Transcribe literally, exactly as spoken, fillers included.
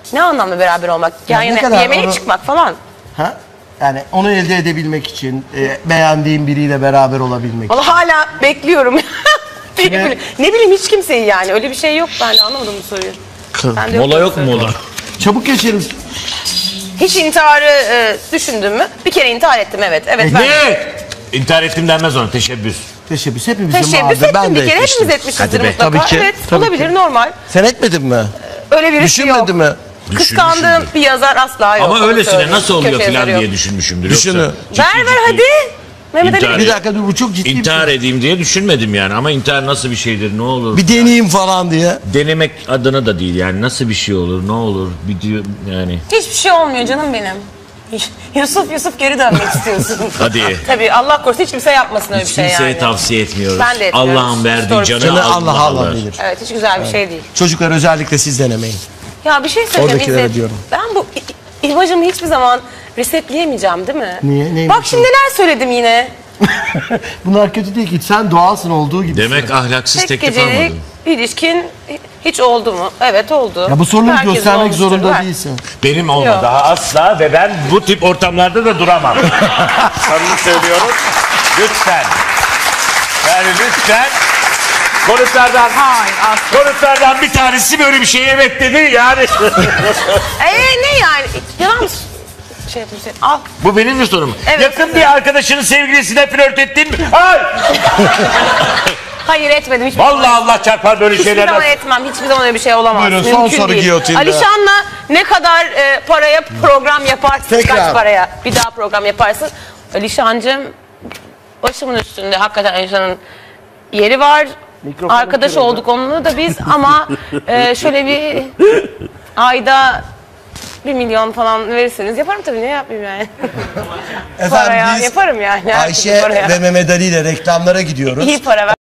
Ne anlamda beraber olmak? Yani, Yani ne yani kadar yemeğe onu- çıkmak falan. Ha? Yani onu elde edebilmek için e, beğendiğin biriyle beraber olabilmek için. Vallahi hala bekliyorum. ne, Kime- bileyim, ne bileyim hiç kimseyi yani. Öyle bir şey yok, ben de anlamadım bu soruyu. Ben de Mola bu yok mu soruyu. mola? Çabuk geçelim. Hiç intiharı e, düşündün mü? Bir kere intihar ettim, evet. Evet ben. Ne? İntihar ettim denmez ona, teşebbüs. Teşebbüs hepimizin Teşebbüs vardı. ettim Ben de bir kere, etmiştim. hepimiz etmişizdir Hadi be. mutlaka. Tabii ki, Evet, tabii olabilir, ki. normal. Sen etmedin mi? Öyle birisi Düşünmedin yok. mi? Kıskandığım bir yazar asla yok. Ama onu öylesine söyleyeyim. nasıl oluyor Köşe filan yazarı yok. diye düşünmüşümdür. Düşünü. Yoksa ciddi Ver ver ciddi hadi. Mehmet Ali. İntihar- Bir dakika dur, bu çok ciddi İntihar bir şey. edeyim diye düşünmedim yani, ama intihar nasıl bir şeydir, ne olur? Bir deneyeyim falan diye. Denemek adına da değil yani, nasıl bir şey olur, ne olur, bir diyor yani. Hiçbir şey olmuyor canım benim. Yusuf Yusuf geri dönmek istiyorsun. Hadi. Tabii Allah korusun hiç kimse yapmasın öyle Hiç bir şey kimseye yani. tavsiye etmiyoruz. Ben de etmiyorum. Allah'ın verdiği Doğru. canı, Canı Allah Allah Allah alır. bilir. Evet, hiç güzel bir şey değil. Çocuklar özellikle siz denemeyin. Ya bir şey söyleyeceğim Oradakilere İzzet. diyorum. Ben bu i- imajımı hiçbir zaman resetleyemeyeceğim değil mi? Niye? Neymiş Bak şimdi neler söyledim yine. Bunlar kötü değil ki. Sen doğalsın olduğu gibi. Demek ahlaksız Tek teklif gecelik almadın. ilişkin hiç oldu mu? Evet oldu. Ya bu soruları Herkesin göstermek olmuştur. zorunda Ver. değilsin. Benim olmadı Yok. daha asla ve ben bu tip ortamlarda da duramam. Samimi söylüyorum. Lütfen. Yani lütfen. Konuklardan, Hayır asla. konuklardan bir tanesi böyle bir şeye evet dedi yani. Eee ne yani? Yalan mı? Şey yapayım seni. Al. Bu benim mi sorum? Evet, Yakın sizin. bir arkadaşının sevgilisine flört ettin mi? Hayır. Hayır etmedim. Hiçbir Vallahi zaman. Allah çarpar böyle Hiçbir şeylerden. zaman etmem. Hiçbir zaman öyle bir şey olamaz. Buyurun, Mümkün son soru değil. giyotinde. Alişan'la ne kadar e, paraya program yaparsın? Tekrar. Kaç paraya bir daha program yaparsın? Alişancığım başımın üstünde. Hakikaten Alişan'ın yeri var. Mikrofonu Arkadaş kırıldı. olduk onunla da biz ama e, şöyle bir ayda bir milyon falan verirseniz yaparım tabii, ne yapayım yani. Paraya biz yaparım yani. her türlü Ayşe paraya. ve Mehmet Ali ile reklamlara gidiyoruz. İyi para ver.